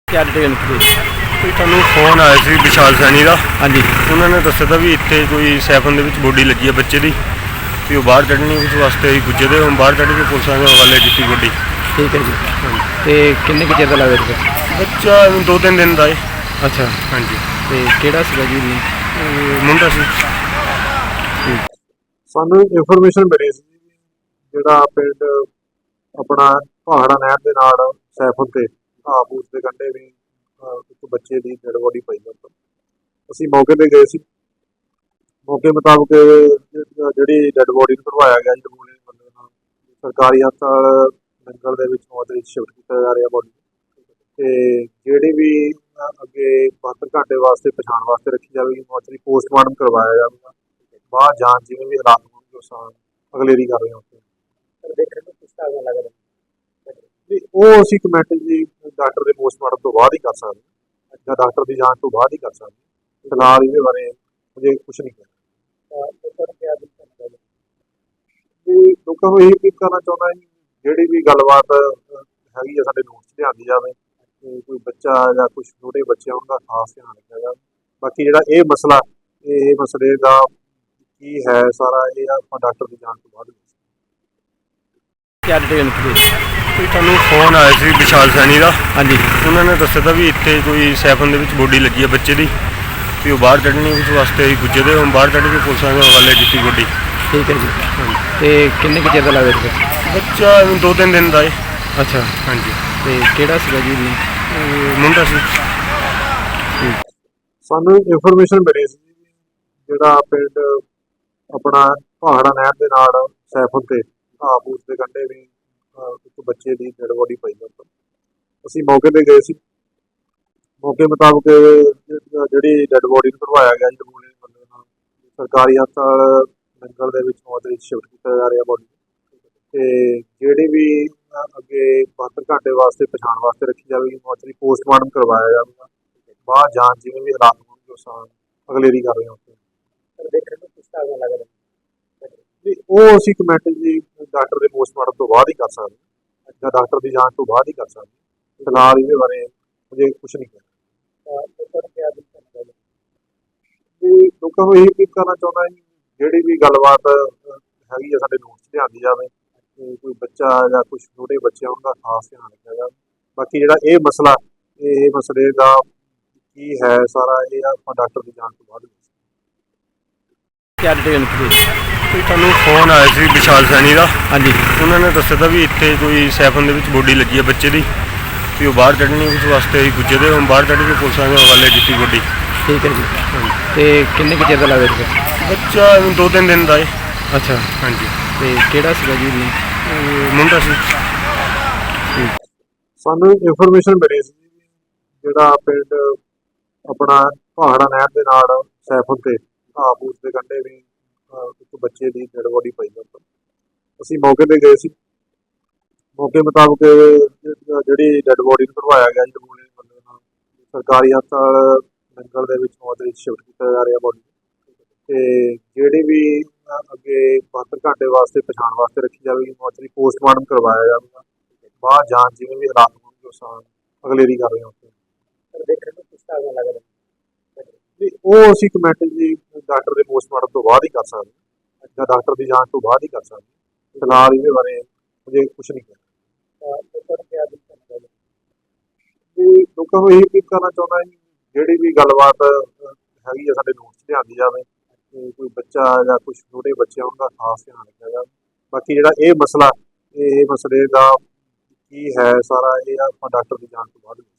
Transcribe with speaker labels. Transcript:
Speaker 1: क्या detail please.
Speaker 2: ਕੋਈ ਤੁਹਾਨੂੰ ਫੋਨ ਆਇਆ ਸੀ ਵਿਸ਼ਾਲ ਸੈਣੀ ਦਾ।
Speaker 1: हाँ जी
Speaker 2: ਉਹਨਾਂ ਨੇ ਦੱਸਿਆ ਤਾਂ ਵੀ ਇੱਥੇ ਕੋਈ ਸੈਫਨ ਦੇ ਵਿੱਚ ਬੋਡੀ ਲੱਗੀ ਹੈ ਬੱਚੇ ਦੀ ਤੇ ਉਹ ਬਾਹਰ ਕੱਢਣੀ ਉਸ ਵਾਸਤੇ ਅਸੀਂ ਪੁੱਜੇ ਤੇ ਹੁਣ ਬਾਹਰ ਕੱਢ ਕੇ ਪੁਲਿਸਾਂ ਦੇ ਹਵਾਲੇ ਕੀਤੀ ਬੋਡੀ।
Speaker 1: ठीक है जी। तो किन्ने के चेर का लग रहा है
Speaker 2: ਬੱਚਾ 2-3 ਦਿਨ ਦਾ ਹੈ।
Speaker 1: अच्छा
Speaker 2: ਹਾਂਜੀ
Speaker 1: तो केड़ा सीगा जी भी
Speaker 2: ਮੁੰਡਾ ਸੀ।
Speaker 3: ਸਾਨੂੰ ਇਨਫੋਰਮੇਸ਼ਨ ਮਿਲੀ ਸੀ ਜਿਹੜਾ ਪਿੰਡ ਆਪਣਾ ਪਹਾੜਾ ਨਹਿਰ ਦੇ ਨਾਲ ਸੈਫਨ ਤੇ ਘਾਹ-ਫੂਸ ਦੇ ਕੰਢੇ ਵੀ ਇੱਕ ਬੱਚੇ ਦੀ ਡੈਡ ਬੋਡੀ ਪਈ ਹੈ। ਅਸੀਂ ਮੌਕੇ ਤੇ ਗਏ ਸੀ। ਮੌਕੇ ਮੁਤਾਬਕ ਜਿਹੜੀ ਡੈਡ ਬੋਡੀ ਨੂੰ ਕਢਵਾਇਆ ਗਿਆ ਜੀ ਬੰਦੇ ਨਾਲ ਸਰਕਾਰੀ ਹਸਪਤਾਲ ਨੰਗਲ ਦੇ ਵਿੱਚ ਮੌਜੂਦ ਸ਼ਿਫਟ ਕੀਤਾ ਜਾ ਰਿਹਾ ਬੋਡੀ ਤੇ ਜਿਹੜੀ ਵੀ ਅੱਗੇ 72 ਘੰਟੇ ਵਾਸਤੇ ਪਛਾਣ ਵਾਸਤੇ ਰੱਖੀ ਜਾਵੇਗੀ। ਮੌਜੂਦ ਪੋਸਟਮਾਰਟਮ ਕਰਵਾਇਆ ਜਾਵੇਗਾ। ਬਾਹਰ ਜਾਂਚ ਜਿਵੇਂ ਵੀ ਹਾਲਾਤ ਹੋਣਗੇ ਉਸ ਨਾਲ ਅਗਲੇਰੀ ਕਰ ਰਹੇ ਹਾਂ ਉੱਥੇ ਦੇਖਣ ਨੂੰ ਕਿਸ ਤਰ੍ਹਾਂ ਲੱਗ ਰਿਹਾ ਉਹ ਅਸੀਂ ਕਮੈਂਟ ਜੀ ਡਾਕਟਰ ਦੇ ਪੋਸਟਮਾਰਟਮ ਤੋਂ ਬਾਅਦ ਹੀ ਕਰ ਸਕਦੇ ਜਾਂ ਡਾਕਟਰ ਦੀ ਜਾਂਚ ਤੋਂ ਬਾਅਦ ਹੀ ਕਰ ਸਕਦੇ। ਫਿਲਹਾਲ ਇਹਦੇ ਬਾਰੇ ਮੁझे ਕੁਝ ਨਹੀਂ ਕਹਿਣਾ। ਲੋਕਾਂ ਨੂੰ ਇਹ ਅਪੀਲ ਕਰਨਾ ਚਾਹੁੰਦਾ ਜੀ ਜਿਹੜੀ ਵੀ ਗੱਲਬਾਤ ਹੈਗੀ ਆ ਸਾਡੇ ਨੋਟਸ 'ਚ ਲਿਆਂਦੀ ਜਾਵੇ। ਕੋਈ ਬੱਚਾ ਜਾਂ ਕੁਛ ਛੋਟੇ ਬੱਚੇ ਉਹਨਾਂ ਦਾ ਖਾਸ ਧਿਆਨ ਰੱਖਿਆ ਜਾਵੇ। ਬਾਕੀ ਜਿਹੜਾ ਇਹ ਮਸਲਾ ਇਹ ਮਸਲੇ ਦਾ ਕੀ ਹੈ ਸਾਰਾ ਇਹ ਆਪਾਂ ਡਾਕਟਰ ਦੀ ਜਾਂਚ ਤੋਂ ਬਾਅਦ
Speaker 1: क्या डिटेल प्लीज।
Speaker 2: ਕੋਈ ਤੁਹਾਨੂੰ ਫੋਨ ਆਇਆ ਸੀ ਵਿਸ਼ਾਲ ਸੈਣੀ ਦਾ।
Speaker 1: हाँ जी
Speaker 2: ਉਹਨਾਂ ਨੇ ਦੱਸਿਆ ਤਾਂ ਵੀ ਇੱਥੇ ਕੋਈ ਸੈਫਨ ਦੇ ਵਿੱਚ ਬੋਡੀ ਲੱਗੀ ਹੈ ਬੱਚੇ ਦੀ ਤੇ ਉਹ ਬਾਹਰ ਕੱਢਣੀ ਉਸ ਵਾਸਤੇ ਅਸੀਂ ਪੁੱਜੇ ਤੇ ਹੁਣ ਬਾਹਰ ਕੱਢ ਕੇ ਪੁਲਿਸਾਂ ਦੇ ਹਵਾਲੇ ਕੀਤੀ ਬੋਡੀ।
Speaker 1: ठीक है जी। तो किन्ने के चेर का लग रहा है
Speaker 2: ਬੱਚਾ 2-3 ਦਿਨ ਦਾ ਹੈ।
Speaker 1: अच्छा
Speaker 2: ਹਾਂਜੀ
Speaker 1: तो केड़ा सीगा जी भी
Speaker 2: ਮੁੰਡਾ ਸੀ।
Speaker 3: ਸਾਨੂੰ ਇਨਫੋਰਮੇਸ਼ਨ ਮਿਲੀ ਸੀ ਜਿਹੜਾ ਪਿੰਡ ਆਪਣਾ ਪਹਾੜਾ ਨਹਿਰ ਦੇ ਨਾਲ ਸੈਫਨ ਤੇ ਘਾਹ-ਫੂਸ ਦੇ ਕੰਢੇ ਵੀ ਇੱਕ ਬੱਚੇ ਦੀ ਡੈਡ ਬੋਡੀ ਪਈ ਹੈ। ਅਸੀਂ ਮੌਕੇ ਤੇ ਗਏ ਸੀ। ਮੌਕੇ ਮੁਤਾਬਕ ਜਿਹੜੀ ਡੈਡ ਬੋਡੀ ਨੂੰ ਕਢਵਾਇਆ ਗਿਆ ਜੀ ਬੰਦੇ ਨਾਲ ਸਰਕਾਰੀ ਹਸਪਤਾਲ ਨੰਗਲ ਦੇ ਵਿੱਚ ਮੌਜੂਦ ਸ਼ਿਫਟ ਕੀਤਾ ਜਾ ਰਿਹਾ ਬੋਡੀ ਤੇ ਜਿਹੜੀ ਵੀ ਅੱਗੇ 72 ਘੰਟੇ ਵਾਸਤੇ ਪਛਾਣ ਵਾਸਤੇ ਰੱਖੀ ਜਾਵੇਗੀ। ਮੌਜੂਦ ਪੋਸਟਮਾਰਟਮ ਕਰਵਾਇਆ ਜਾਵੇਗਾ। ਬਾਹਰ ਜਾਂਚ ਜਿਵੇਂ ਵੀ ਹਾਲਾਤ ਹੋਣਗੇ ਉਸ ਨਾਲ ਅਗਲੇਰੀ ਕਰ ਰਹੇ ਹਾਂ ਉੱਥੇ ਦੇਖਣ ਨੂੰ ਕਿਸ ਤਰ੍ਹਾਂ ਲੱਗ ਰਿਹਾ ਉਹ ਅਸੀਂ ਕਮੈਂਟ ਜੀ ਡਾਕਟਰ ਦੇ ਪੋਸਟਮਾਰਟਮ ਤੋਂ ਬਾਅਦ ਹੀ ਕਰ ਸਕਦੇ ਜਾਂ ਡਾਕਟਰ ਦੀ ਜਾਂਚ ਤੋਂ ਬਾਅਦ ਹੀ ਕਰ ਸਕਦੇ। ਫਿਲਹਾਲ ਇਹਦੇ ਬਾਰੇ ਮੁझे ਕੁਝ ਨਹੀਂ ਕਹਿਣਾ। ਲੋਕਾਂ ਨੂੰ ਇਹ ਅਪੀਲ ਕਰਨਾ ਚਾਹੁੰਦਾ ਜੀ ਜਿਹੜੀ ਵੀ ਗੱਲਬਾਤ ਹੈਗੀ ਆ ਸਾਡੇ ਨੋਟਸ 'ਚ ਲਿਆਂਦੀ ਜਾਵੇ। ਕੋਈ ਬੱਚਾ ਜਾਂ ਕੁਛ ਛੋਟੇ ਬੱਚੇ ਉਹਨਾਂ ਦਾ ਖਾਸ ਧਿਆਨ ਰੱਖਿਆ ਜਾਵੇ। ਬਾਕੀ ਜਿਹੜਾ ਇਹ ਮਸਲਾ ਇਹ ਮਸਲੇ ਦਾ ਕੀ ਹੈ ਸਾਰਾ ਇਹ ਆਪਾਂ ਡਾਕਟਰ ਦੀ ਜਾਂਚ ਤੋਂ ਬਾਅਦ
Speaker 1: क्या डिटेल प्लीज।
Speaker 2: ਕੋਈ ਤੁਹਾਨੂੰ ਫੋਨ ਆਇਆ ਸੀ ਵਿਸ਼ਾਲ ਸੈਣੀ ਦਾ।
Speaker 1: हाँ जी
Speaker 2: ਉਹਨਾਂ ਨੇ ਦੱਸਿਆ ਤਾਂ ਵੀ ਇੱਥੇ ਕੋਈ ਸੈਫਨ ਦੇ ਵਿੱਚ ਬੋਡੀ ਲੱਗੀ ਹੈ ਬੱਚੇ ਦੀ ਤੇ ਉਹ ਬਾਹਰ ਕੱਢਣੀ ਉਸ ਵਾਸਤੇ ਅਸੀਂ ਪੁੱਜੇ ਤੇ ਹੁਣ ਬਾਹਰ ਕੱਢ ਕੇ ਪੁਲਿਸਾਂ ਦੇ ਹਵਾਲੇ ਕੀਤੀ ਬੋਡੀ।
Speaker 1: ठीक है जी। तो किन्ने के चेर का लग रहा है
Speaker 2: ਬੱਚਾ 2-3 ਦਿਨ ਦਾ ਹੈ।
Speaker 1: अच्छा
Speaker 2: ਹਾਂਜੀ
Speaker 1: तो केड़ा सीगा जी भी
Speaker 2: ਮੁੰਡਾ ਸੀ।
Speaker 3: ਸਾਨੂੰ ਇਨਫੋਰਮੇਸ਼ਨ ਮਿਲੀ ਸੀ ਜਿਹੜਾ ਪਿੰਡ ਆਪਣਾ ਪਹਾੜਾ ਨਹਿਰ ਦੇ ਨਾਲ ਸੈਫਨ ਤੇ ਘਾਹ-ਫੂਸ ਦੇ ਕੰਢੇ ਵੀ ਇੱਕ ਬੱਚੇ ਦੀ ਡੈਡ ਬੋਡੀ ਪਈ ਹੈ। ਅਸੀਂ ਮੌਕੇ ਤੇ ਗਏ ਸੀ। ਮੌਕੇ ਮੁਤਾਬਕ ਜਿਹੜੀ ਡੈਡ ਬੋਡੀ ਨੂੰ ਕਢਵਾਇਆ ਗਿਆ ਜੀ ਬੰਦੇ ਨਾਲ ਸਰਕਾਰੀ ਹਸਪਤਾਲ ਨੰਗਲ ਦੇ ਵਿੱਚ ਮੌਜੂਦ ਸ਼ਿਫਟ ਕੀਤਾ ਜਾ ਰਿਹਾ ਬੋਡੀ ਤੇ ਜਿਹੜੀ ਵੀ ਅੱਗੇ 72 ਘੰਟੇ ਵਾਸਤੇ ਪਛਾਣ ਵਾਸਤੇ ਰੱਖੀ ਜਾਵੇਗੀ। ਮੌਜੂਦ ਪੋਸਟਮਾਰਟਮ ਕਰਵਾਇਆ ਜਾਵੇਗਾ। ਬਾਹਰ ਜਾਂਚ ਜਿਵੇਂ ਵੀ ਹਾਲਾਤ ਹੋਣਗੇ ਉਸ ਨਾਲ ਅਗਲੇਰੀ ਕਰ ਰਹੇ ਹਾਂ ਉੱਥੇ ਦੇਖਣ ਨੂੰ ਕਿਸ ਤਰ੍ਹਾਂ ਲੱਗ ਰਿਹਾ ਉਹ ਅਸੀਂ ਕਮੈਂਟ ਜੀ ਡਾਕਟਰ ਦੇ ਪੋਸਟਮਾਰਟਮ ਤੋਂ ਬਾਅਦ ਹੀ ਕਰ ਸਕਦੇ ਜਾਂ ਡਾਕਟਰ ਦੀ ਜਾਂਚ ਤੋਂ ਬਾਅਦ ਹੀ ਕਰ ਸਕਦੇ। ਫਿਲਹਾਲ ਇਹਦੇ ਬਾਰੇ ਮੁझे ਕੁਝ ਨਹੀਂ ਕਹਿਣਾ। ਲੋਕਾਂ ਨੂੰ ਇਹ ਅਪੀਲ ਕਰਨਾ ਚਾਹੁੰਦਾ ਜੀ ਜਿਹੜੀ ਵੀ ਗੱਲਬਾਤ ਹੈਗੀ ਆ ਸਾਡੇ ਨੋਟਸ 'ਚ ਲਿਆਂਦੀ ਜਾਵੇ। ਕੋਈ ਬੱਚਾ ਜਾਂ ਕੁਛ ਛੋਟੇ ਬੱਚੇ ਉਹਨਾਂ ਦਾ ਖਾਸ ਧਿਆਨ ਰੱਖਿਆ ਜਾਵੇ। ਬਾਕੀ ਜਿਹੜਾ ਇਹ ਮਸਲਾ ਇਹ ਮਸਲੇ ਦਾ ਕੀ ਹੈ ਸਾਰਾ ਇਹ ਆਪਾਂ ਡਾਕਟਰ ਦੀ ਜਾਂਚ ਤੋਂ ਬਾਅਦ